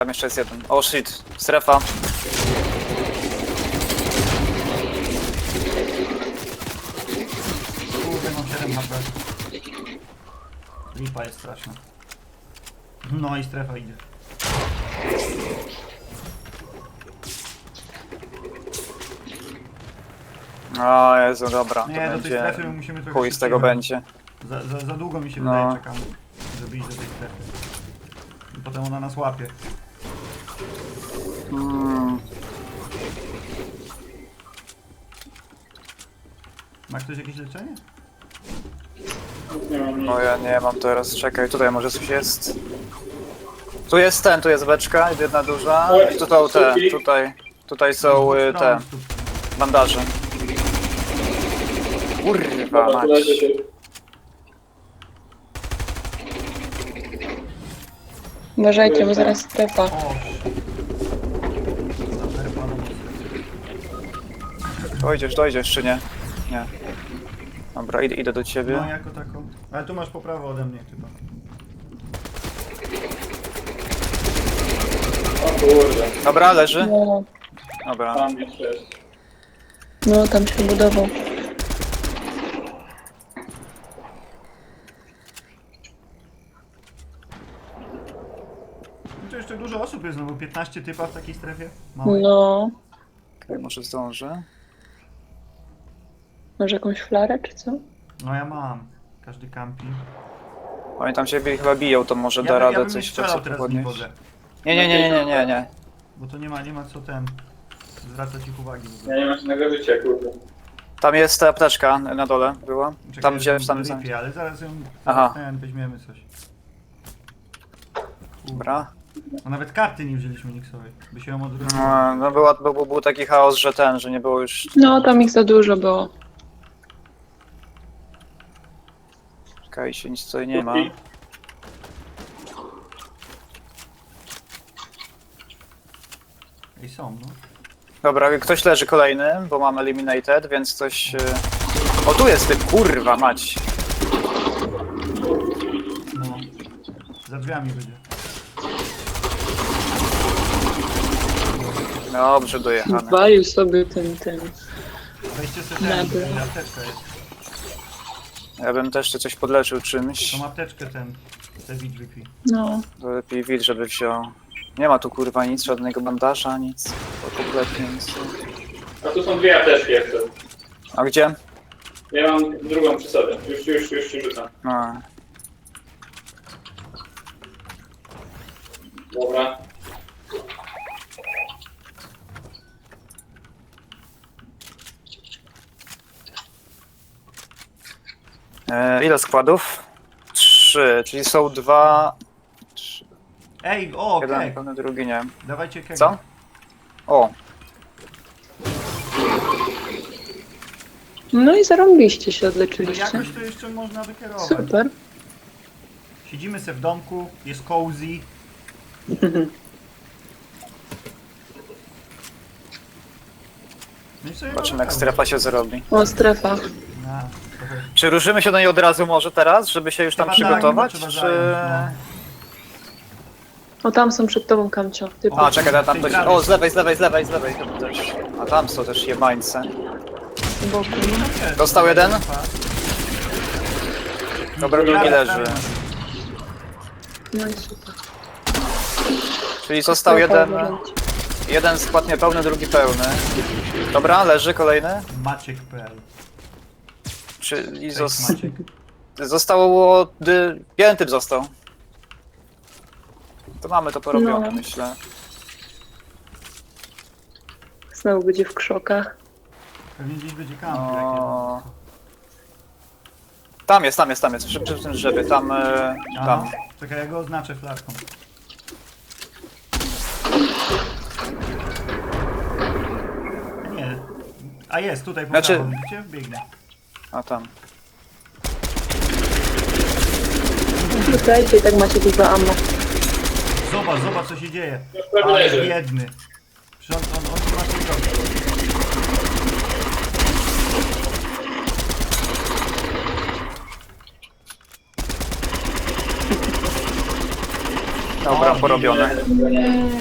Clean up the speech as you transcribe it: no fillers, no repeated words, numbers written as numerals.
Tam jeszcze jest jeden. O shit, strefa. Kurde, mam 7 HP. Lipa jest straszna. No i strefa idzie. O Jezu, dobra. Nie, To do tej będzie... strefy musimy trochę Chuj z tego szybciej. będzie. Za długo mi się No. wydaje, czekamy, żeby iść do tej strefy. I potem ona nas łapie. Ma ktoś jakieś leczenie? Nie mam nic. No ja nie mam teraz, czekaj, tutaj może coś jest. Tu jest ten, tu jest beczka, jedna duża. I tutaj są te bandaże. Kurwa Dobra, tu leży mać. tu. Uważajcie, bo zaraz strefa. O! Zaperpa na mocno. Dojdziesz czy nie? Nie. Dobra, idę do ciebie. No jako taką. Ale tu masz poprawę ode mnie chyba. O kurde, Dobra, leży. No, Dobra. tam jeszcze jest. no tam się budował. No to jeszcze dużo osób jest, no bo 15 typa w takiej strefie. Małej. No, Okej, może zdążę. może jakąś flarę czy co? No ja mam. Każdy kampi. Oni tam się chyba biją, to może da ja radę bym nie coś strzelał teraz w nim podnieść. wodę. Nie. Bo to nie ma co ten. Zwracać ich uwagi w ogóle. Ja nie mam żadnego życia, kurde. Tam jest ta apteczka na dole była. Czekaj, Tam gdzie jestem tam w są. ripie, ale zaraz ją Aha. ten, weźmiemy coś. Dobra. A nawet karty nie wzięliśmy Nixowej, by się ją odwróciło. No był taki chaos, że nie było już. No, tam ich za dużo było. Czekaj, się nic tutaj nie ma. Ej, są, no. Dobra, ktoś leży kolejny, bo mam eliminated, więc coś... O, tu jest typ, kurwa mać. No. Za drzwiami będzie. Dobrze dojechane. Walił sobie ten. Weźcie sobie Dobra. ten, apteczkę jest. Ja bym też coś podleczył czymś. Tą apteczkę ten, te VGP. No, To lepiej wilk, żeby wziął. Nie ma tu kurwa nic, żadnego bandaża, nic. To kompletnie nic. A tu są dwie apteczki jeszcze. A gdzie? Ja mam drugą przy sobie. Już ci rzucam. No. Dobra. Ile składów? 3, czyli są 2... Ej, o, Jeden keg! pełny, drugi nie. Dawajcie keg. Co? O, no i zarąbiście się No odleczyliście. jakoś to jeszcze można wykierować. Super. Siedzimy se w domku, jest cozy. No i sobie zobaczymy mamy jak strefa się zrobi. O, strefa. Na, trochę. Czy ruszymy się do niej od razu może teraz, żeby się już tam Chyba przygotować? tak, chyba Czy... trzeba O, tam są przed tobą, Kamcio. Ty A, czekaj, tam Tej ktoś... prawej. O, z lewej tam też. A tam są też jebańce. po boku, no. zajmą. Dostał jeden? Dobra, drugi leży. No i super. Czyli został Strefa jeden... obrąć. Jeden skład niepełny, drugi pełny. Dobra, leży kolejny. Maciek.pl. Czyli Cześć, Maciek. zostało... Jeden typ został. To mamy to porobione, No. myślę. Znowu będzie w krzokach. Pewnie gdzieś będzie kamp. O... Tam jest, przy tym drzewie, tam... tam. Czekaj, ja go oznaczę flaszką. Nie. A jest, tutaj po Znaczy- prawo, widzicie? Biegnę. A tam. Wrzucajcie i tak macie dużo ammo. Zobacz co się dzieje. Już prawie Ale leży. biedny. Przecież on ma coś robić. Dobra, porobione.